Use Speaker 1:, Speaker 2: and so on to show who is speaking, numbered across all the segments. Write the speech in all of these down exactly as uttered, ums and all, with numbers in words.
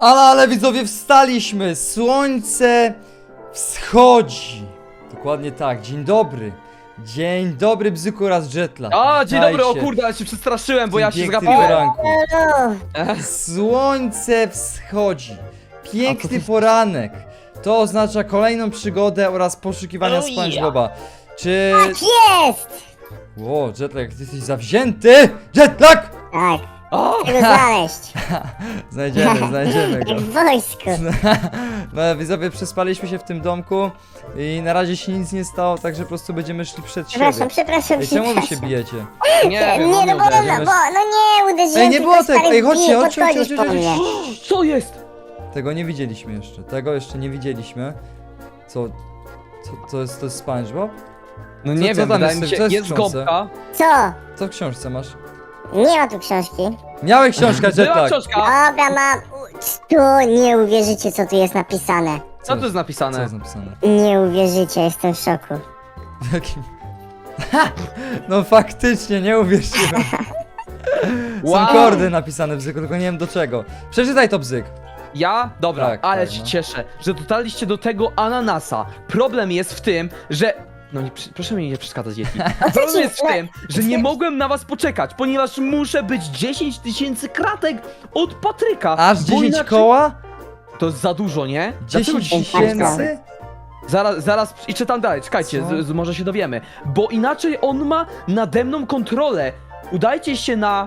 Speaker 1: Ale, ale widzowie, wstaliśmy! Słońce wschodzi! Dokładnie tak, dzień dobry. Dzień dobry, Bzyku oraz Jetlag.
Speaker 2: A, dzień dobry, o
Speaker 1: Witajcie
Speaker 2: kurde, ale się przestraszyłem, bo
Speaker 1: w tym
Speaker 2: ja się
Speaker 1: pięknym
Speaker 2: zgapiłem.
Speaker 1: poranku.
Speaker 3: No,
Speaker 1: Słońce wschodzi.
Speaker 2: A
Speaker 1: Piękny
Speaker 2: co to-
Speaker 1: poranek. To oznacza kolejną przygodę oraz poszukiwania
Speaker 2: Oh,
Speaker 1: SpongeBoba. Czy...
Speaker 3: jest!
Speaker 1: Ło, Jetlag, ty jesteś zawzięty! Jetlag!
Speaker 3: Tak,
Speaker 2: O,
Speaker 3: chcę go znaleźć.
Speaker 1: Znajdziemy, znajdziemy go.
Speaker 3: Jak w wojsku.
Speaker 1: No, widzowie, przespaliśmy się w tym domku i na razie się nic nie stało, także po prostu będziemy szli przed siebie.
Speaker 3: Przepraszam, przepraszam,
Speaker 1: Ej, czemu wy się
Speaker 3: przepraszam.
Speaker 1: bijecie?
Speaker 2: nie wiem,
Speaker 3: Nie, no bo,
Speaker 2: uderzył.
Speaker 3: no, bo, no nie, uderzyłem
Speaker 1: Ej, nie
Speaker 3: tylko
Speaker 1: było tego!
Speaker 3: stary
Speaker 1: Ej, chodźcie,
Speaker 3: bije,
Speaker 1: chodźcie, chodźcie,
Speaker 3: podchodzisz
Speaker 1: chodźcie,
Speaker 3: po mnie.
Speaker 1: chodźcie.
Speaker 2: Co jest?
Speaker 1: Tego nie widzieliśmy jeszcze, tego jeszcze nie widzieliśmy. Co? Co to jest, to jest SpongeBob?
Speaker 2: No
Speaker 1: Co-
Speaker 2: nie
Speaker 1: co
Speaker 2: wiem,
Speaker 1: tam
Speaker 2: wydaje
Speaker 1: jest?
Speaker 2: mi się,
Speaker 1: Co jest w
Speaker 2: jest
Speaker 1: książce?
Speaker 2: gąbka.
Speaker 3: Co?
Speaker 1: Co w książce masz?
Speaker 3: Nie ma tu książki.
Speaker 1: Miałeś książkę,
Speaker 2: Była
Speaker 1: Jetlag!
Speaker 2: książka.
Speaker 3: Dobra, mam... Tu nie uwierzycie, co tu jest napisane.
Speaker 2: Co tu jest
Speaker 1: Co
Speaker 2: napisane?
Speaker 1: jest napisane?
Speaker 3: Nie uwierzycie, jestem w szoku.
Speaker 1: W jakim... No faktycznie, nie uwierzyłem. Są
Speaker 2: Wow.
Speaker 1: kordy napisane w Bzyku, tylko nie wiem do czego. Przeczytaj to, Bzyk.
Speaker 2: Ja? Dobra,
Speaker 1: Tak,
Speaker 2: ale
Speaker 1: tak,
Speaker 2: się
Speaker 1: no.
Speaker 2: cieszę, że dotarliście do tego ananasa. Problem jest w tym, że... No nie, przy- proszę mi nie przeszkadzać, Yeti. Problem
Speaker 3: ci-
Speaker 2: jest w
Speaker 3: no,
Speaker 2: tym, że nie mogłem na was poczekać, ponieważ muszę być dziesięć tysięcy kratek od Patryka.
Speaker 1: Aż
Speaker 2: bo
Speaker 1: dziesięć
Speaker 2: inaczej-
Speaker 1: koła?
Speaker 2: To jest za dużo, nie? Dlaczego
Speaker 1: dziesięć
Speaker 2: dziesięć
Speaker 1: tysięcy?
Speaker 2: Zaraz, zaraz, i czytam dalej, czekajcie,
Speaker 1: Co?
Speaker 2: z, z, może się dowiemy. Bo inaczej on ma nade mną kontrolę. Udajcie się na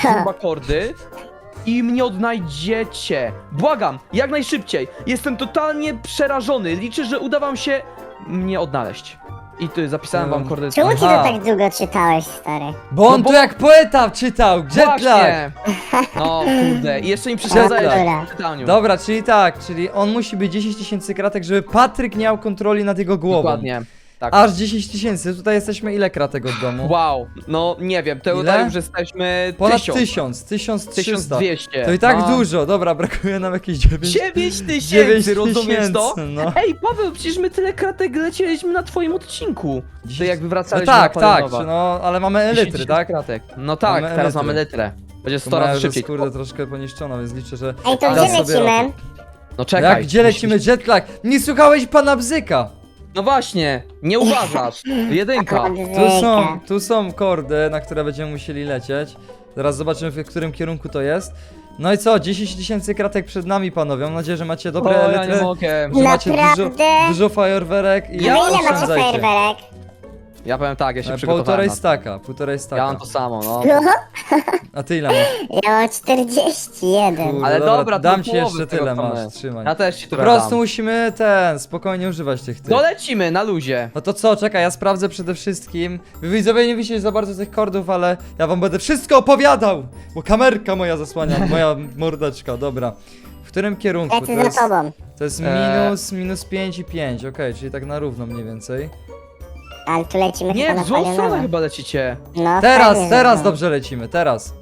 Speaker 2: kordy i mnie odnajdziecie. Błagam, jak najszybciej. Jestem totalnie przerażony. Liczę, że uda wam się mnie odnaleźć. I tu zapisałem wam
Speaker 1: Um,
Speaker 2: kordy.
Speaker 3: Czemu ty to
Speaker 1: Aha.
Speaker 3: tak długo czytałeś, stary?
Speaker 1: Bo on
Speaker 2: No bo-
Speaker 1: tu jak poeta czytał, Jetlag!
Speaker 2: Właśnie. No kurde, i jeszcze mi przeszkadzałeś
Speaker 3: Dobra.
Speaker 2: w czytaniu.
Speaker 1: Dobra, czyli tak, czyli on musi być dziesięć tysięcy kratek, żeby Patryk nie miał kontroli nad jego głową.
Speaker 2: Dokładnie. Tak.
Speaker 1: Aż dziesięć tysięcy, tutaj jesteśmy ile kratek od domu?
Speaker 2: Wow, no nie wiem, to
Speaker 1: Ile?
Speaker 2: tutaj już jesteśmy
Speaker 1: Ponad
Speaker 2: tysiąc.
Speaker 1: tysiąc, tysiąc
Speaker 2: tysiąc
Speaker 1: trzysta.
Speaker 2: dwieście.
Speaker 1: To i tak
Speaker 2: no.
Speaker 1: dużo, dobra, brakuje nam jakieś dziewięć.
Speaker 2: dziewięć
Speaker 1: dziewięć
Speaker 2: tysięcy, rozumiesz to?
Speaker 1: tysięcy, no.
Speaker 2: Ej, Paweł, przecież my tyle kratek lecieliśmy na twoim odcinku. To
Speaker 1: Dziesięć-
Speaker 2: jak
Speaker 1: No
Speaker 2: wywracaliśmy
Speaker 1: tak,
Speaker 2: na
Speaker 1: tak,
Speaker 2: Palenowa.
Speaker 1: no, ale mamy
Speaker 2: dziesięć
Speaker 1: elitry,
Speaker 2: tysięcy
Speaker 1: tak?
Speaker 2: kratek. No tak,
Speaker 1: Mamy
Speaker 2: teraz
Speaker 1: elitry.
Speaker 2: mamy litrę. Będzie
Speaker 1: To
Speaker 2: sto razy
Speaker 1: moja
Speaker 2: szybciej.
Speaker 1: jest, kurde, troszkę poniszczona, więc liczę, że...
Speaker 3: Ej, to
Speaker 1: da
Speaker 3: gdzie
Speaker 1: sobie
Speaker 3: lecimy?
Speaker 1: radę.
Speaker 2: No czekaj.
Speaker 1: Jak, gdzie lecimy, Jetlag? Nie słuchałeś pana Bzyka!
Speaker 2: No właśnie, nie uważasz. Jedynka.
Speaker 1: Tu są, tu są kordy, na które będziemy musieli lecieć. Zaraz zobaczymy, w którym kierunku to jest. No i co, dziesięć tysięcy kratek przed nami, panowie. Mam nadzieję, że macie dobre
Speaker 2: O, ja nie
Speaker 1: elitry,
Speaker 2: mogę.
Speaker 1: że macie dużo,
Speaker 3: Naprawdę?
Speaker 1: dużo fajerwerek i
Speaker 3: A ile macie
Speaker 1: oszczędzajcie.
Speaker 3: fajerwerek?
Speaker 2: Ja powiem tak, ja się
Speaker 1: E,
Speaker 2: przygotowałem
Speaker 1: Półtorej
Speaker 2: na to.
Speaker 1: staka, półtorej staka.
Speaker 2: Ja mam to samo, no.
Speaker 3: No,
Speaker 1: A ty ile masz?
Speaker 3: ja mam czterdzieści jeden.
Speaker 1: Kurde,
Speaker 2: Ale dobra, to
Speaker 1: dam
Speaker 2: do
Speaker 1: ci
Speaker 2: połowy
Speaker 1: jeszcze
Speaker 2: tego
Speaker 1: tyle,
Speaker 2: mamy.
Speaker 1: masz, trzymaj.
Speaker 2: Ja też ci
Speaker 1: Po
Speaker 2: to
Speaker 1: prostu
Speaker 2: dam.
Speaker 1: musimy ten, spokojnie używać tych tych.
Speaker 2: No lecimy, na luzie.
Speaker 1: No to co, czekaj, ja sprawdzę przede wszystkim. Wy widzowie nie widzicie za bardzo tych kordów, ale ja wam będę wszystko opowiadał! Bo kamerka moja zasłania, moja mordeczka, dobra. W którym kierunku? To
Speaker 3: Lecę za
Speaker 1: jest,
Speaker 3: tobą.
Speaker 1: to jest
Speaker 2: Eee.
Speaker 1: minus, minus pięć i pięć, okej, czyli tak na równo mniej więcej.
Speaker 3: Ale tu lecimy
Speaker 2: Nie,
Speaker 3: chyba
Speaker 2: w
Speaker 3: na
Speaker 2: złą stronę
Speaker 3: palionowo.
Speaker 2: chyba lecicie.
Speaker 3: No,
Speaker 1: Teraz,
Speaker 3: fajnie,
Speaker 1: teraz
Speaker 3: że-
Speaker 1: dobrze lecimy, teraz.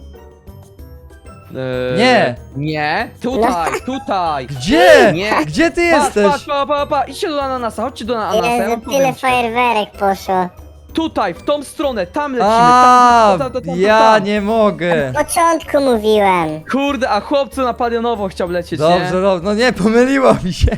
Speaker 2: Eee,
Speaker 1: Nie.
Speaker 2: Nie, tutaj, tutaj.
Speaker 1: Gdzie?
Speaker 2: Nie.
Speaker 1: Gdzie ty
Speaker 2: Patrz,
Speaker 1: jesteś?
Speaker 2: patrz, pa, pa, pa, idźcie do ananasa, chodźcie do ananasa, ja
Speaker 3: Jezu,
Speaker 2: wam
Speaker 3: tyle
Speaker 2: powiem ci.
Speaker 3: fajerwerek poszło.
Speaker 2: Tutaj, w tą stronę, tam lecimy,
Speaker 1: A,
Speaker 2: tam, tam, tam, tam, tam,
Speaker 1: ja
Speaker 2: tam.
Speaker 1: nie mogę.
Speaker 3: Od początku mówiłem.
Speaker 2: Kurde, a chłopcu na palionowo chciał lecieć,
Speaker 1: Dobrze,
Speaker 2: nie?
Speaker 1: dobrze, no nie, pomyliło mi się.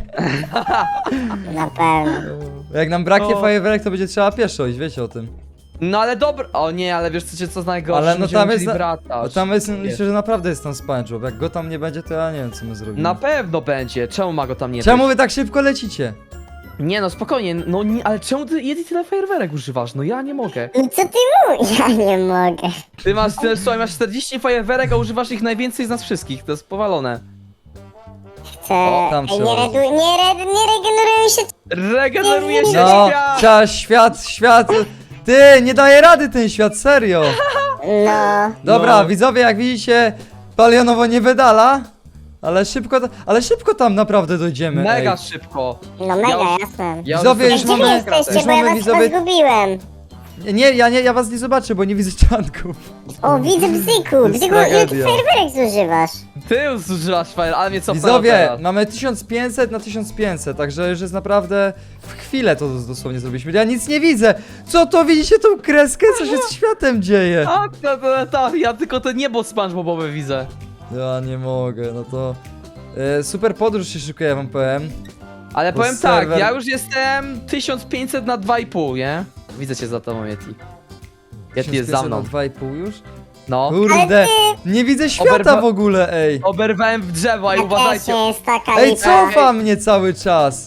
Speaker 3: Na pewno.
Speaker 1: Jak nam braknie
Speaker 2: O.
Speaker 1: fajerwerek, to będzie trzeba pieszo iść, wiecie o tym.
Speaker 2: No ale dobra, o nie, ale wiesz co, co z najgorsze,
Speaker 1: Ale no
Speaker 2: będziemy
Speaker 1: tam jest,
Speaker 2: musieli
Speaker 1: na,
Speaker 2: wracać.
Speaker 1: no tam jest,
Speaker 2: Wiesz.
Speaker 1: liczę, że naprawdę jest tam SpongeBob. Jak go tam nie będzie, to ja nie wiem, co my zrobimy.
Speaker 2: Na pewno będzie, czemu ma go tam nie
Speaker 1: Czemu
Speaker 2: być?
Speaker 1: wy tak szybko lecicie?
Speaker 2: Nie no, spokojnie, no nie, ale czemu ty Yeti tyle fajerwerek używasz? No ja nie mogę.
Speaker 3: No co ty mówisz? Ja nie mogę.
Speaker 2: Ty masz, ty, słuchaj, masz czterdzieści fajerwerek, a używasz ich najwięcej z nas wszystkich, to jest powalone.
Speaker 3: Chcę...
Speaker 1: O, tam
Speaker 3: Ej,
Speaker 1: się
Speaker 3: nie,
Speaker 1: odezwał.
Speaker 3: redu... nie, red... nie regeneruję się.
Speaker 2: Regeneruje się
Speaker 1: No,
Speaker 2: świat!
Speaker 1: trzeba świat, świat. Ty, nie daje rady ten świat, serio.
Speaker 3: No.
Speaker 1: Dobra,
Speaker 2: No.
Speaker 1: widzowie, jak widzicie, palionowo nie wydala. Ale szybko, ta- ale szybko tam naprawdę dojdziemy.
Speaker 2: Mega
Speaker 1: ej.
Speaker 2: szybko.
Speaker 3: No mega,
Speaker 2: Ja-
Speaker 3: jasne.
Speaker 2: Ja
Speaker 1: Widzowie,
Speaker 3: Ej,
Speaker 1: już
Speaker 3: gdzie wy
Speaker 1: mamy-
Speaker 3: jesteście,
Speaker 1: już
Speaker 3: bo ja
Speaker 1: mamy
Speaker 3: was
Speaker 1: widzowie-
Speaker 3: chyba zgubiłem.
Speaker 1: Nie, ja nie, ja was nie zobaczę, bo nie widzę czanków.
Speaker 3: O, widzę Bzyku.
Speaker 1: jest
Speaker 3: Bzyku, ile ty
Speaker 1: tragedia.
Speaker 3: fajerwerek zużywasz?
Speaker 2: Ty zużywasz fajer, ale mnie co
Speaker 1: Widzowie, mamy tysiąc pięćset na tysiąc pięćset, także już jest naprawdę w chwilę to dosłownie zrobiliśmy. Ja nic nie widzę. Co to widzicie tą kreskę? Co się z światem dzieje?
Speaker 2: Tak, tak, tak, tak, ja tylko to niebo SpongeBobowe widzę.
Speaker 1: Ja nie mogę, no to E, super podróż się szykuje, ja wam powiem.
Speaker 2: Ale
Speaker 1: Bo
Speaker 2: powiem
Speaker 1: serwer-
Speaker 2: tak, ja już jestem tysiąc pięćset na dwa i pół, nie? Widzę cię za tobą, Yeti. Yeti jest za mną.
Speaker 1: dwa i pół już?
Speaker 2: No.
Speaker 1: Kurde, nie widzę świata
Speaker 2: Oberwa-
Speaker 1: w ogóle, ej.
Speaker 2: Oberwałem w drzewo, i
Speaker 3: To
Speaker 2: uważajcie.
Speaker 3: też jest taka
Speaker 1: Ej,
Speaker 3: lipa.
Speaker 1: cofa mnie cały czas.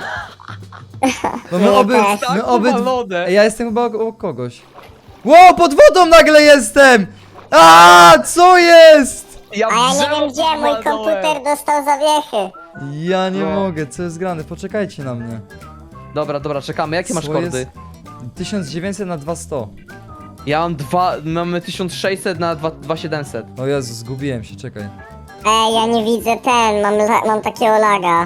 Speaker 1: No my
Speaker 3: Nie,
Speaker 1: oby,
Speaker 3: też.
Speaker 2: Tak
Speaker 1: my oby...
Speaker 2: powalone.
Speaker 1: Ej, ja jestem chyba obok kogoś. Ło, pod wodą nagle jestem! A, co jest?
Speaker 2: Ja w
Speaker 3: A ja nie
Speaker 2: drzewo
Speaker 3: wiem gdzie, mój
Speaker 2: powalałem.
Speaker 3: komputer dostał zawiechy.
Speaker 1: Ja nie
Speaker 2: No.
Speaker 1: mogę, co jest grane? Poczekajcie na mnie.
Speaker 2: Dobra, dobra, czekamy. Jakie masz
Speaker 1: Co
Speaker 2: kordy?
Speaker 1: jest? tysiąc dziewięćset na dwieście.
Speaker 2: Ja mam dwa, mamy tysiąc sześćset na dwa tysiąc siedemset.
Speaker 1: O Jezu, zgubiłem się, czekaj.
Speaker 3: Ej, ja nie widzę ten, mam, la- mam takiego laga.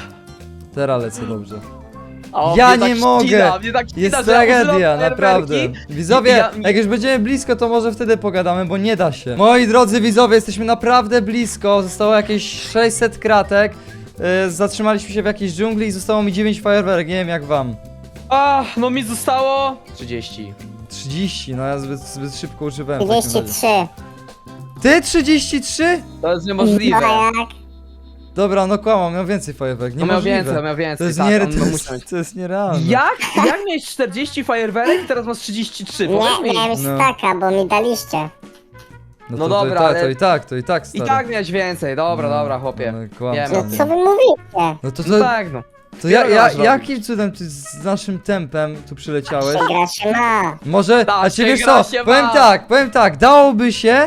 Speaker 1: Teraz lecę dobrze.
Speaker 2: O,
Speaker 1: Ja
Speaker 2: mnie
Speaker 1: nie
Speaker 2: tak
Speaker 1: mogę.
Speaker 2: ścina, mnie tak ścina,
Speaker 1: Jest
Speaker 2: że ja używam
Speaker 1: tragedia, naprawdę.
Speaker 2: fajerwerki.
Speaker 1: Widzowie,
Speaker 2: Ja-
Speaker 1: jak już będziemy blisko, to może wtedy pogadamy, bo nie da się. Moi drodzy widzowie, jesteśmy naprawdę blisko. Zostało jakieś sześćset kratek. Yy, zatrzymaliśmy się w jakiejś dżungli i zostało mi dziewięć fajerwerek, nie wiem jak wam.
Speaker 2: Ach, no mi zostało trzydzieści.
Speaker 1: trzydzieści, no ja zbyt, zbyt szybko używałem. w takim razie.
Speaker 3: trzydzieści trzy.
Speaker 1: Ty trzydzieści trzy?
Speaker 2: To jest niemożliwe.
Speaker 3: No jak?
Speaker 1: Dobra, no kłamam, miał więcej fajerwerek,
Speaker 2: No miał
Speaker 1: niemożliwe.
Speaker 2: więcej, miał więcej.
Speaker 1: To jest,
Speaker 2: tak,
Speaker 1: nie,
Speaker 2: on
Speaker 1: to,
Speaker 2: musi
Speaker 1: jest,
Speaker 2: mieć.
Speaker 1: to jest nierealne.
Speaker 2: Jak? Jak miałeś czterdzieści fajerwerek i teraz masz trzydzieści trzy? Powiedz
Speaker 3: Nie,
Speaker 2: mi.
Speaker 3: miałem
Speaker 1: No.
Speaker 3: staka, bo mi daliście.
Speaker 1: No,
Speaker 2: No
Speaker 1: to, to,
Speaker 2: dobra,
Speaker 1: i tak,
Speaker 2: ale-
Speaker 1: to i tak, to i tak,
Speaker 2: I
Speaker 1: stary.
Speaker 2: tak miałeś więcej, dobra,
Speaker 1: No,
Speaker 2: dobra, chłopie.
Speaker 1: no, kłam,
Speaker 2: Wiem.
Speaker 3: No
Speaker 1: kłam.
Speaker 3: co wy mówicie?
Speaker 1: No to,
Speaker 2: No
Speaker 1: to,
Speaker 2: tak, no.
Speaker 1: to ja,
Speaker 2: Wiele
Speaker 1: ja,
Speaker 2: masz robić.
Speaker 1: jakim cudem ty z naszym tempem tu przyleciałeś?
Speaker 3: Się gra się ma.
Speaker 1: Może,
Speaker 2: Tak,
Speaker 1: a czy
Speaker 2: się
Speaker 1: wiesz
Speaker 2: gra
Speaker 1: co,
Speaker 2: się
Speaker 1: powiem
Speaker 2: ma.
Speaker 1: tak, powiem tak, dałoby się,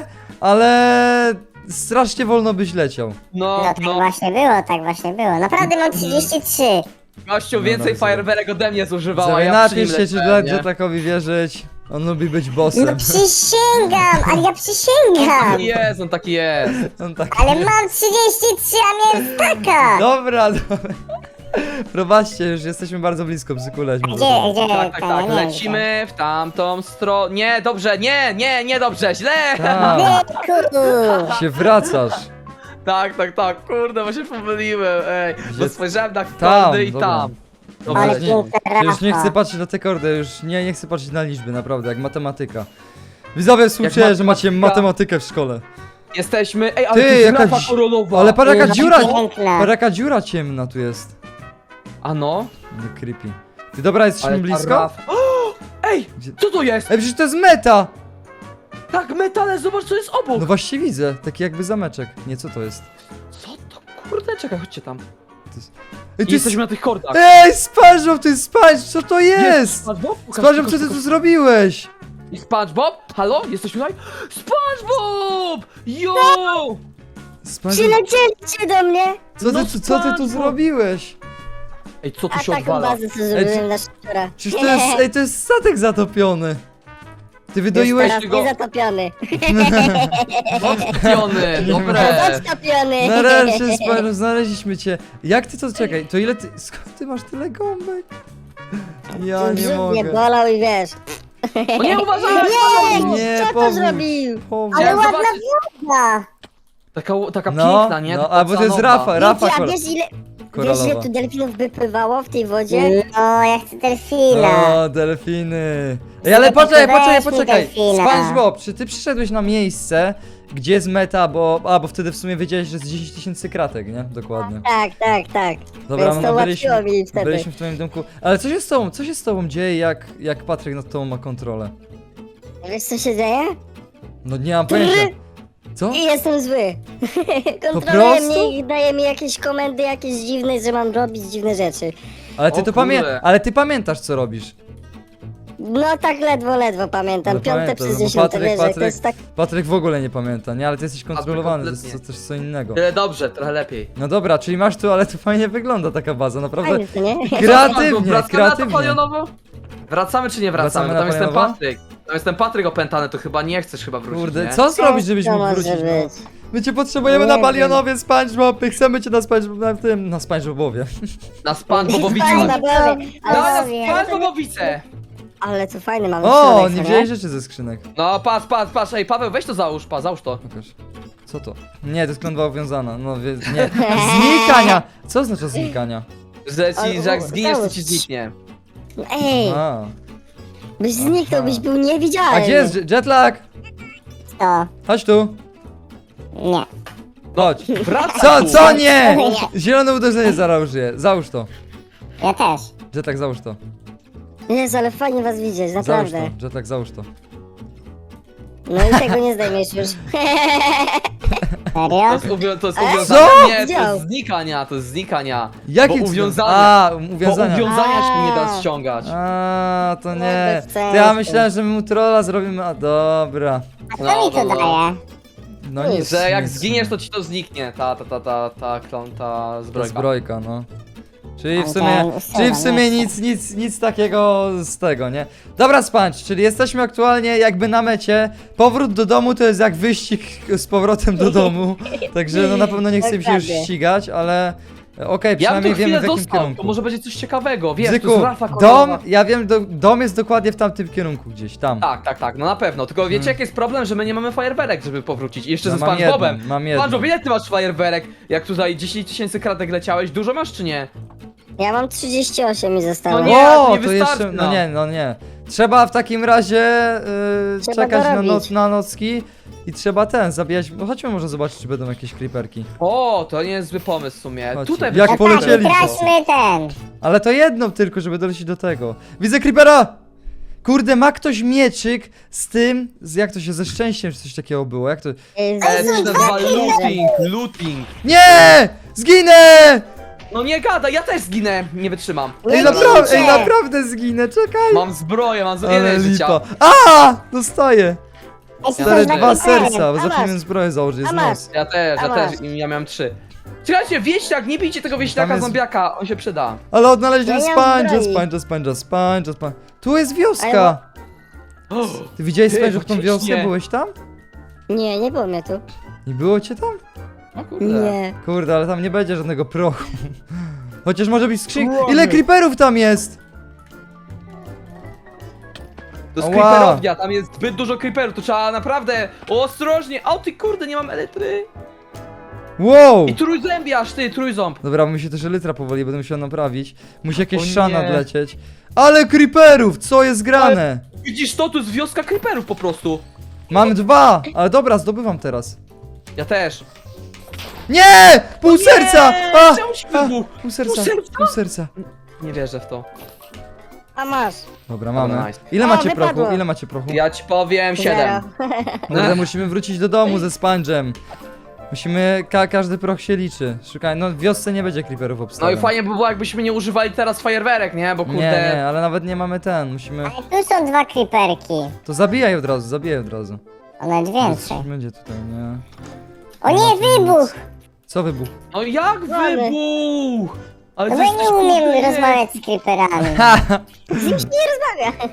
Speaker 1: ale strasznie wolno byś leciał.
Speaker 2: No,
Speaker 3: No tak
Speaker 2: no.
Speaker 3: właśnie było, tak właśnie było. Naprawdę mam trzydzieści trzy.
Speaker 2: Gościu
Speaker 1: No,
Speaker 2: więcej
Speaker 1: dobra.
Speaker 2: fajerwerek ode mnie zużywała,
Speaker 1: Sobie
Speaker 2: ja przy nim
Speaker 1: napisz się, czy
Speaker 2: leciałem,
Speaker 1: dla
Speaker 2: nie?
Speaker 1: Jetlagowi wierzyć. On lubi być
Speaker 3: No
Speaker 1: bossem.
Speaker 3: przysięgam, ale ja przysięgam.
Speaker 2: Taki jest, on taki jest.
Speaker 1: On tak...
Speaker 3: Ale mam trzydzieści trzy, a miałem staka.
Speaker 1: Dobra, dobra. Prowadźcie, już jesteśmy bardzo blisko, psykuleć.
Speaker 3: Gdzie, gdzie?
Speaker 2: Tak, tak,
Speaker 3: to
Speaker 2: tak,
Speaker 3: nie
Speaker 2: lecimy w tamtą stronę. Nie, dobrze, nie, nie, nie dobrze, źle!
Speaker 1: Tak,
Speaker 3: wiem.
Speaker 1: się wracasz.
Speaker 2: Tak, tak, tak, kurde, bo się pomyliłem, ej. Bo
Speaker 1: Gdzie-
Speaker 2: spojrzałem na
Speaker 1: Tam,
Speaker 2: kordy i
Speaker 1: dobra.
Speaker 2: tam. Dobra,
Speaker 3: Ale
Speaker 1: Już nie,
Speaker 3: piękna
Speaker 1: już nie
Speaker 3: rafa.
Speaker 1: chcę patrzeć na te kordy, już nie, nie chcę patrzeć na liczby, naprawdę, jak matematyka. Widzowie, słuchajcie, że macie
Speaker 2: matematyka.
Speaker 1: matematykę w szkole.
Speaker 2: jesteśmy, ej, ale
Speaker 1: Ty,
Speaker 2: to jest
Speaker 1: jakaś-
Speaker 2: rafa korolowa.
Speaker 1: Ale patrz jaka
Speaker 3: Jaka
Speaker 1: dziura,
Speaker 3: piękna.
Speaker 1: patrz jaka dziura ciemna tu jest.
Speaker 2: A no?
Speaker 1: No creepy. Ty dobra, jesteśmy
Speaker 2: Ale ta
Speaker 1: blisko?
Speaker 2: rafa- O! Ej,
Speaker 1: Gdzie-
Speaker 2: co to jest?
Speaker 1: Ej, przecież to jest meta!
Speaker 2: Tak, metale, zobacz co jest obok.
Speaker 1: No właśnie widzę, taki jakby zameczek. Nie, co to jest?
Speaker 2: Co to, kurde, czekaj, chodźcie tam.
Speaker 1: Ej,
Speaker 2: I jesteśmy na tych kordach.
Speaker 1: Ej, SpongeBob, to jest SpongeBob, co to jest?
Speaker 2: SpongeBob? Pokaż,
Speaker 1: SpongeBob,
Speaker 2: pokaż,
Speaker 1: co ty
Speaker 2: pokaż.
Speaker 1: tu zrobiłeś?
Speaker 2: I SpongeBob? Halo? Jesteśmy tutaj? SpongeBob! Yo!
Speaker 1: SpongeBob,
Speaker 3: Przylecieliście do mnie.
Speaker 1: co ty,
Speaker 2: No
Speaker 1: tu- co ty tu
Speaker 2: SpongeBob.
Speaker 1: zrobić?
Speaker 2: Ej, co tu
Speaker 3: A
Speaker 2: się
Speaker 3: taką
Speaker 2: odwala?
Speaker 3: bazę co zrobiłem na szczura.
Speaker 1: Przecież to jest, ej, to jest statek zatopiony. Ty wydoiłeś...
Speaker 3: Jest
Speaker 2: go-
Speaker 3: teraz niezatopiony.
Speaker 2: Odpiony, dobre.
Speaker 3: Zatopiony.
Speaker 1: Nareszcie, SpongeBob, znaleźliśmy cię. Jak ty to, czekaj, to ile ty, skąd ty masz tyle gąbek? Ja nie
Speaker 3: Brzuch mnie
Speaker 1: mogę.
Speaker 3: bolał i wiesz.
Speaker 2: O nie, uważaj!
Speaker 3: Nie,
Speaker 1: Nie,
Speaker 3: co to
Speaker 1: powódź,
Speaker 3: zrobił?
Speaker 1: powódź.
Speaker 3: Ale
Speaker 2: Chciałem
Speaker 3: ładna
Speaker 2: zobaczyć.
Speaker 3: woda.
Speaker 2: Taka, taka
Speaker 1: No,
Speaker 2: piękna, nie?
Speaker 1: no,
Speaker 2: Taka
Speaker 1: a bo to jest
Speaker 2: oceanowa.
Speaker 1: Rafa, Rafa
Speaker 3: Wiecie, a
Speaker 1: kora-
Speaker 3: wiesz ile, wiesz
Speaker 1: koralowa.
Speaker 3: ile tu delfinów by pływało w tej wodzie? O, ja chcę delfina.
Speaker 1: O, delfiny. Ej, ale poczekaj, poczekaj, poczekaj. SpongeBob, czy ty przyszedłeś na miejsce, gdzie jest meta, bo... A, bo wtedy w sumie wiedziałeś, że jest dziesięć tysięcy kratek, nie? Dokładnie.
Speaker 3: Tak, tak, tak.
Speaker 1: Dobra,
Speaker 3: Więc to
Speaker 1: no
Speaker 3: ułatwiło
Speaker 1: byliśmy,
Speaker 3: mi wtedy.
Speaker 1: byliśmy w twoim domku. Ale co się z tobą, co się z tobą dzieje, jak, jak Patryk nad tobą ma kontrolę?
Speaker 3: Wiesz co się dzieje?
Speaker 1: No nie mam pojęcia. Co?
Speaker 3: I jestem zły. Kontroluje
Speaker 1: prostu?
Speaker 3: mnie i daje mi jakieś komendy jakieś dziwne, że mam robić dziwne rzeczy.
Speaker 1: Ale ty
Speaker 2: O
Speaker 1: to pamię...
Speaker 2: kurde.
Speaker 1: Ale ty pamiętasz, co robisz.
Speaker 3: No tak ledwo, ledwo pamiętam.
Speaker 1: No
Speaker 3: Piąte
Speaker 1: pamiętam,
Speaker 3: przez
Speaker 1: bo
Speaker 3: dziesiąte,
Speaker 1: Patryk-
Speaker 3: wiesz, że to
Speaker 1: Patryk-
Speaker 3: jest tak...
Speaker 1: Patryk w ogóle nie pamięta, nie? Ale ty jesteś kontrolowany, to jest
Speaker 2: kompletnie.
Speaker 1: to też co innego.
Speaker 2: Tyle dobrze, trochę lepiej.
Speaker 1: No dobra, czyli masz tu, ale tu fajnie wygląda taka baza, naprawdę.
Speaker 3: Fajnie, co nie?
Speaker 1: Kreatywnie,
Speaker 2: Wracamy na to
Speaker 1: kreatywnie.
Speaker 2: palionowo? Wracamy czy nie wracamy?
Speaker 1: Wracamy
Speaker 2: Bo
Speaker 1: na
Speaker 2: tam jestem
Speaker 1: palionowo?
Speaker 2: Patryk. Tam jestem Patryk opętany, to chyba nie chcesz chyba wrócić,
Speaker 1: Kurde,
Speaker 2: nie?
Speaker 1: co zrobić, żebyś
Speaker 3: To
Speaker 1: mógł
Speaker 3: może
Speaker 1: wrócić? No?
Speaker 3: być.
Speaker 1: My cię potrzebujemy
Speaker 3: Nie
Speaker 1: na
Speaker 3: wiem.
Speaker 1: Balionowie, SpongeBob, my chcemy cię na SpongeBob, na tym, na SpongeBobowie.
Speaker 2: Na SpongeBobowicu.
Speaker 3: Fajna,
Speaker 2: Na
Speaker 3: bowie, ale, bowie,
Speaker 2: SpongeBobowice!
Speaker 3: ale co fajne mamy
Speaker 1: O,
Speaker 3: środek,
Speaker 1: nie
Speaker 3: co
Speaker 1: wziąłeś rzeczy ze skrzynek.
Speaker 2: No patrz, patrz, patrz, ej Paweł, weź to załóż, pa, załóż to.
Speaker 1: Pokaż. Co to? Nie, to jest klątwa uwiązana, no wie, nie. Znikania! Co oznacza znikania?
Speaker 2: Że, ci,
Speaker 3: Ale-
Speaker 2: że jak
Speaker 3: o,
Speaker 2: zginiesz, to
Speaker 3: załóż.
Speaker 2: ci zniknie.
Speaker 3: Ej,
Speaker 1: A,
Speaker 3: byś zniknął,
Speaker 1: Aha.
Speaker 3: byś był niewidzialny.
Speaker 1: A gdzie jest jet- jetlag?
Speaker 3: To,
Speaker 1: Chodź tu.
Speaker 3: nie.
Speaker 1: Chodź.
Speaker 2: Wracaj
Speaker 1: Co,
Speaker 2: tu.
Speaker 1: co nie? Zielone uderzenie zaraz użyję. Załóż to.
Speaker 3: Ja też.
Speaker 1: Jetlag, załóż to.
Speaker 3: Jezu, ale fajnie was widzieć,
Speaker 1: Załóż
Speaker 3: naprawdę.
Speaker 1: to. Jetlag, załóż to.
Speaker 3: No i tego nie zdejmiesz już.
Speaker 2: To
Speaker 3: Serio?
Speaker 2: jest, uwią- to jest
Speaker 3: Co?
Speaker 2: uwiązania, nie, to
Speaker 3: Widział.
Speaker 2: jest znikania, to jest znikania.
Speaker 1: Jakie
Speaker 2: Bo uwiązania.
Speaker 1: A,
Speaker 2: Bo
Speaker 1: uwiązania.
Speaker 2: uwiązania się nie da
Speaker 3: A.
Speaker 2: ściągać.
Speaker 1: A, to
Speaker 3: No,
Speaker 1: nie.
Speaker 3: bez
Speaker 1: To ja
Speaker 3: sensu.
Speaker 1: myślałem, że my mu trolla zrobimy. A, dobra.
Speaker 3: A co
Speaker 2: No,
Speaker 3: mi to
Speaker 2: no, no.
Speaker 3: daje?
Speaker 1: No nic.
Speaker 2: Że jak
Speaker 1: nic.
Speaker 2: zginiesz, to ci to zniknie, ta, ta, ta, ta, ta, klon, ta
Speaker 1: To
Speaker 2: zbrojka.
Speaker 1: zbrojka, no. Czyli w
Speaker 3: Ale
Speaker 1: sumie,
Speaker 3: ten
Speaker 1: czyli w
Speaker 3: usuwa,
Speaker 1: sumie
Speaker 3: nie
Speaker 1: nic, nic, nic takiego z tego, nie? Dobra, Sponge, czyli jesteśmy aktualnie jakby na mecie. Powrót do domu to jest jak wyścig z powrotem do domu. Także no na pewno nie chcę mi się już
Speaker 3: Dokładnie.
Speaker 1: ścigać, ale e, okej,
Speaker 2: Ja bym
Speaker 1: przynajmniej
Speaker 2: tu
Speaker 1: wiemy
Speaker 2: chwilę
Speaker 1: w jakim
Speaker 2: został,
Speaker 1: kierunku.
Speaker 2: to może będzie coś ciekawego, wiesz, to
Speaker 1: Bzyku,
Speaker 2: jest rafa
Speaker 1: dom,
Speaker 2: kolorowa.
Speaker 1: ja wiem, do, dom jest dokładnie w tamtym kierunku gdzieś, tam.
Speaker 2: Tak, tak, tak, no na pewno, tylko wiecie jaki jest problem, że my nie mamy fajerwerek, żeby powrócić. I jeszcze
Speaker 1: No,
Speaker 2: ze
Speaker 1: mam
Speaker 2: SpongeBobem.
Speaker 1: jedną, mam jedną.
Speaker 2: SpongeBob, ile ty masz fajerwerek? Jak tutaj dziesięć tysięcy kratek leciałeś, dużo masz czy nie?
Speaker 3: Ja mam trzydzieści osiem mi zostało.
Speaker 2: No nie,
Speaker 1: o,
Speaker 2: to nie
Speaker 1: to
Speaker 2: wystarczy
Speaker 1: jeszcze, no
Speaker 2: nam.
Speaker 1: nie, no nie. Trzeba w takim razie yy,
Speaker 3: Trzeba
Speaker 1: czekać na,
Speaker 3: dorobić.
Speaker 1: noc, na nocki i trzeba ten, zabijać, no chodźmy może zobaczyć, czy będą jakieś creeperki.
Speaker 2: O, to nie jest zły pomysł w sumie.
Speaker 1: Chodźcie.
Speaker 2: Tutaj
Speaker 1: Jak
Speaker 2: będzie-
Speaker 1: polecieli.
Speaker 3: Tak, traćmy ten.
Speaker 1: Ale to jedną tylko, żeby dolecieć do tego. Widzę creepera! Kurde, ma ktoś mieczyk z tym, z jak to się, ze szczęściem czy coś takiego było, jak to...
Speaker 3: Y,
Speaker 2: E, to się
Speaker 3: z-
Speaker 2: nazywa
Speaker 3: z-
Speaker 2: looting, looting.
Speaker 1: Nie! Zginę!
Speaker 2: No nie gada, ja też zginę, nie wytrzymam.
Speaker 1: Ej,
Speaker 3: Nie
Speaker 1: naprawdę,
Speaker 3: bijcie.
Speaker 1: ej, naprawdę zginę, czekaj!
Speaker 2: Mam zbroję, mam z...
Speaker 1: Ale
Speaker 2: ile życia.
Speaker 1: lipa. A! Dostaję!
Speaker 3: Ej,
Speaker 1: Stary,
Speaker 3: to
Speaker 1: dwa
Speaker 3: jest na
Speaker 1: serca, bo
Speaker 3: A masz.
Speaker 1: zapomniałem zbroję założyć, jest
Speaker 3: A masz.
Speaker 1: nos.
Speaker 2: Ja też, ja
Speaker 3: A
Speaker 2: też,
Speaker 3: masz.
Speaker 2: i ja miałem trzy. Czekajcie, wieśniak, nie bijcie tego
Speaker 1: Tam
Speaker 2: wieśniaka
Speaker 1: jest-
Speaker 2: zombiaka, on się przyda.
Speaker 1: Ale odnaleźliśmy
Speaker 3: Ja nie mam
Speaker 1: spańcza,
Speaker 3: zbroi.
Speaker 1: spańcza, spańcza, spańcza, spańcza. Tu jest
Speaker 3: Ale
Speaker 1: wioska! Ty widziałeś
Speaker 2: Ty,
Speaker 1: spańcza w tą
Speaker 2: faktycznie.
Speaker 1: wioskę? Byłeś tam?
Speaker 3: Nie, nie było mnie tu.
Speaker 1: Nie było cię tam?
Speaker 2: O kurde.
Speaker 3: Nie.
Speaker 1: Kurde, ale tam nie będzie żadnego prochu. Chociaż może być skrzynka.
Speaker 2: Kurde.
Speaker 1: Ile creeperów tam jest?
Speaker 2: To jest
Speaker 1: Ała.
Speaker 2: creeperownia, tam jest zbyt dużo creeperów, to trzeba naprawdę ostrożnie. O ty kurde, nie mam elektry.
Speaker 1: Wow!
Speaker 2: I trójzębiarz, ty, trójząb.
Speaker 1: Dobra, mi się też elytra powoli, będę musiał naprawić. Musi jakieś
Speaker 2: O
Speaker 1: szan
Speaker 2: nie.
Speaker 1: nadlecieć. Ale creeperów! Co jest grane?
Speaker 2: Widzisz to, to jest wioska creeperów po prostu.
Speaker 1: Mam dwa! Ale dobra, zdobywam teraz.
Speaker 2: Ja też.
Speaker 1: Nie! Pół serca! A!
Speaker 2: Czemu się
Speaker 1: A!
Speaker 2: wybuchł?
Speaker 1: Pół serca,
Speaker 2: Pół serca?
Speaker 1: pół serca.
Speaker 2: Nie wierzę w to.
Speaker 3: A masz.
Speaker 1: Dobra, mamy.
Speaker 2: nice.
Speaker 1: Ile
Speaker 3: O,
Speaker 1: macie
Speaker 3: wypadło.
Speaker 1: prochu? Ile macie prochu?
Speaker 2: Ja ci powiem siedem.
Speaker 3: Zero.
Speaker 1: Kurde, musimy wrócić do domu ze sponge'em. Musimy, ka każdy proch się liczy. Szukaj, no w wiosce nie będzie creeperów
Speaker 2: No
Speaker 1: obstawiam.
Speaker 2: i fajnie by było jakbyśmy nie używali teraz fajerwerek, nie? Bo
Speaker 1: Nie,
Speaker 2: kurde...
Speaker 1: nie, ale nawet nie mamy ten, musimy...
Speaker 3: Ale tu są dwa creeperki.
Speaker 1: To zabijaj od razu, zabijaj od razu.
Speaker 3: O, nawet więcej.
Speaker 1: Coś będzie tutaj, nie?
Speaker 3: O nie, wybuch!
Speaker 1: Co wybuch?
Speaker 2: No jak
Speaker 3: Mamy.
Speaker 2: wybuch! Ale
Speaker 3: No
Speaker 2: to
Speaker 3: bo
Speaker 2: jest
Speaker 3: ja nie umiem
Speaker 2: kurde-
Speaker 3: rozmawiać z creeperami.
Speaker 1: Ha!
Speaker 3: Z nim się nie rozmawia.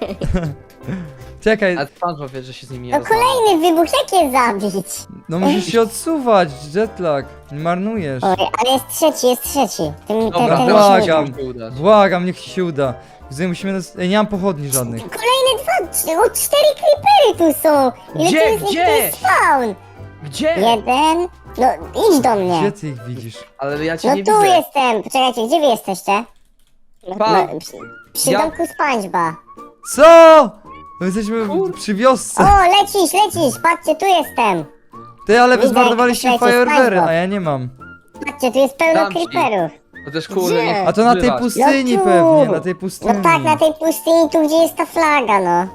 Speaker 1: Czekaj,
Speaker 2: A SpongeBob wie, że się z nimi nie
Speaker 3: No
Speaker 2: rozmawia.
Speaker 3: kolejny wybuch, jak je zabić?
Speaker 1: no musisz się odsuwać, jetlag. Nie marnujesz.
Speaker 3: Oj, ale jest trzeci, jest trzeci. Tym, ten,
Speaker 2: Dobra,
Speaker 3: ten
Speaker 1: błagam.
Speaker 2: musimy się udać.
Speaker 1: Błagam, niech ci się uda. Widzę, musimy... Nas... Ej, nie mam pochodni żadnych.
Speaker 3: Kolejne dwa, trzy- o, cztery creepery tu są. Ile
Speaker 2: Gdzie,
Speaker 3: tu jest,
Speaker 2: gdzie?
Speaker 3: tu jest spawn?
Speaker 2: Gdzie?
Speaker 3: Jeden. No, idź do mnie.
Speaker 1: Gdzie ty ich widzisz?
Speaker 2: Ale ja cię
Speaker 3: No
Speaker 2: nie
Speaker 3: tu
Speaker 2: widzę.
Speaker 3: jestem. Poczekajcie, gdzie wy jesteście? No,
Speaker 2: Pa.
Speaker 3: no, przy przy
Speaker 2: Ja-
Speaker 3: domku SpongeBoba.
Speaker 1: Co? My jesteśmy
Speaker 2: Kur-
Speaker 1: przy wiosce.
Speaker 3: O, lecisz, lecisz, patrzcie, tu jestem.
Speaker 1: Ty, ale wy
Speaker 3: Widzę,
Speaker 1: zmarnowaliście
Speaker 3: jak leci
Speaker 1: fajerwery,
Speaker 3: SpongeBob.
Speaker 1: a ja nie mam.
Speaker 3: Patrzcie, tu jest pełno
Speaker 2: Dam ci.
Speaker 3: creeperów.
Speaker 2: To też kurde,
Speaker 3: Gdzie?
Speaker 2: nie
Speaker 1: A to na tej
Speaker 2: wzywać.
Speaker 1: pustyni
Speaker 3: No tu.
Speaker 1: pewnie, na tej pustyni.
Speaker 3: No tak, na tej pustyni, tu gdzie jest ta flaga, no.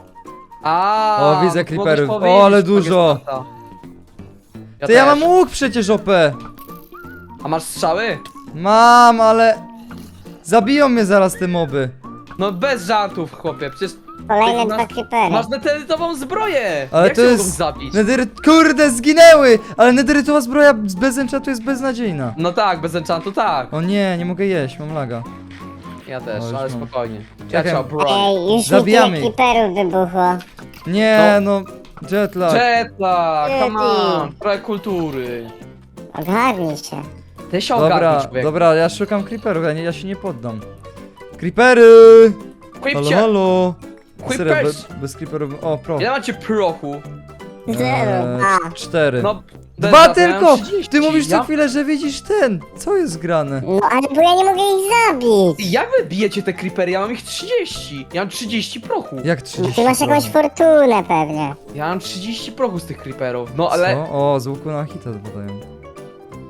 Speaker 2: A,
Speaker 1: O, widzę
Speaker 2: to
Speaker 1: creeperów.
Speaker 2: mogłeś
Speaker 1: O,
Speaker 2: powiedzieć,
Speaker 1: ale
Speaker 2: że to jest
Speaker 1: dużo.
Speaker 2: tata. Ja
Speaker 1: Ty, ja
Speaker 2: też.
Speaker 1: mam łuk przecież O P.
Speaker 2: A masz strzały?
Speaker 1: Mam, ale... Zabiją mnie zaraz te moby.
Speaker 2: No bez żartów, chłopie, przecież
Speaker 3: Kolejne
Speaker 2: Ty
Speaker 3: dwa
Speaker 2: masz-
Speaker 3: creepery.
Speaker 2: masz neterytową zbroję!
Speaker 1: Ale
Speaker 2: Jak
Speaker 1: to
Speaker 2: się
Speaker 1: jest...
Speaker 2: mogą zabić?
Speaker 1: Nethery... Kurde, zginęły! Ale nederytowa zbroja bez enchantu jest beznadziejna.
Speaker 2: No tak, bez enchantu tak.
Speaker 1: O nie, nie mogę jeść, mam laga.
Speaker 2: Ja też,
Speaker 1: O, już
Speaker 2: ale
Speaker 1: mam.
Speaker 2: spokojnie. Ja
Speaker 1: Czekaj.
Speaker 2: cię obronię.
Speaker 3: Ej, już
Speaker 1: Zabijamy
Speaker 3: mi tyle
Speaker 1: ich.
Speaker 3: creeperów wybuchło.
Speaker 1: Nie, no... Jetlag.
Speaker 2: Jetlag, come on,
Speaker 3: Yeti.
Speaker 2: trochę kultury.
Speaker 3: Ogarnij się.
Speaker 2: Ty się ogarnij,
Speaker 1: Dobra,
Speaker 2: człowiek.
Speaker 1: dobra, ja szukam creeperów, ja, nie, ja się nie poddam. Creepery! Halo,
Speaker 2: Chłopcie,
Speaker 1: halo!
Speaker 2: Quick
Speaker 1: Serio,
Speaker 2: press.
Speaker 1: bez, bez creeperów... O, pro.
Speaker 2: ile macie prochu?
Speaker 3: Zero.
Speaker 1: Eee,
Speaker 3: A.
Speaker 1: cztery.
Speaker 2: No,
Speaker 1: Dwa
Speaker 2: Deza, to ja
Speaker 1: tylko!
Speaker 2: mam trzydzieści.
Speaker 1: Ty mówisz co
Speaker 2: Ja-
Speaker 1: chwilę, że widzisz ten! Co jest grane?
Speaker 3: No ale bo ja nie mogę ich zabić.
Speaker 2: Jak wy bijecie te creepery? Ja mam ich trzydzieści. Ja mam trzydzieści prochu.
Speaker 1: Jak
Speaker 3: No,
Speaker 1: trzydzieści?
Speaker 3: ty masz jakąś fortunę pewnie.
Speaker 2: Ja mam trzydzieści prochu z tych creeperów. No ale...
Speaker 1: Co? O, z łuku na hita podają.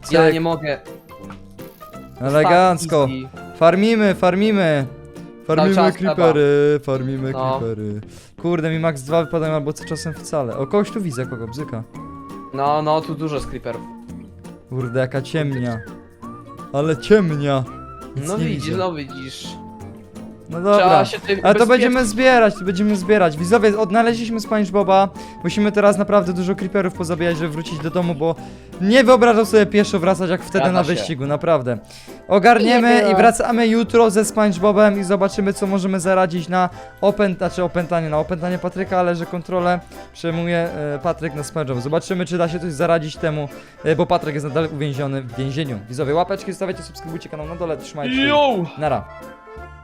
Speaker 2: Ja
Speaker 1: Cyk.
Speaker 2: nie mogę.
Speaker 1: Elegancko.
Speaker 2: Tak, easy.
Speaker 1: Farmimy, farmimy. Farmimy
Speaker 2: czas
Speaker 1: creepery, farmimy
Speaker 2: No.
Speaker 1: creepery. Kurde, mi max dwa wypadają albo co czasem wcale. O, kogoś tu widzę, kogo, bzyka.
Speaker 2: No, no, tu dużo creeperów.
Speaker 1: Kurde, jaka ciemnia. Ale ciemnia. Nic
Speaker 2: No
Speaker 1: nie
Speaker 2: widzisz,
Speaker 1: widzę.
Speaker 2: no widzisz.
Speaker 1: No dobra.
Speaker 2: Trzeba się tutaj
Speaker 1: Ale to
Speaker 2: ubezpieczyć.
Speaker 1: będziemy zbierać, to będziemy zbierać. Widzowie, odnaleźliśmy SpongeBoba. Musimy teraz naprawdę dużo creeperów pozabijać, żeby wrócić do domu, bo nie wyobrażam sobie pieszo wracać jak wtedy
Speaker 2: Zgadza
Speaker 1: na
Speaker 2: się.
Speaker 1: wyścigu, naprawdę.
Speaker 3: Nie
Speaker 1: Ogarniemy
Speaker 3: było.
Speaker 1: i wracamy jutro ze SpongeBobem i zobaczymy, co możemy zaradzić na opęt, znaczy opętanie, na opętanie Patryka, ale że kontrolę przejmuje e, Patryk na SpongeBob. Zobaczymy, czy da się coś zaradzić temu, e, bo Patryk jest nadal uwięziony w więzieniu. Widzowie, łapeczki, zostawiajcie, subskrybujcie kanał na dole, trzymajcie się.
Speaker 2: Yo!
Speaker 1: Nara.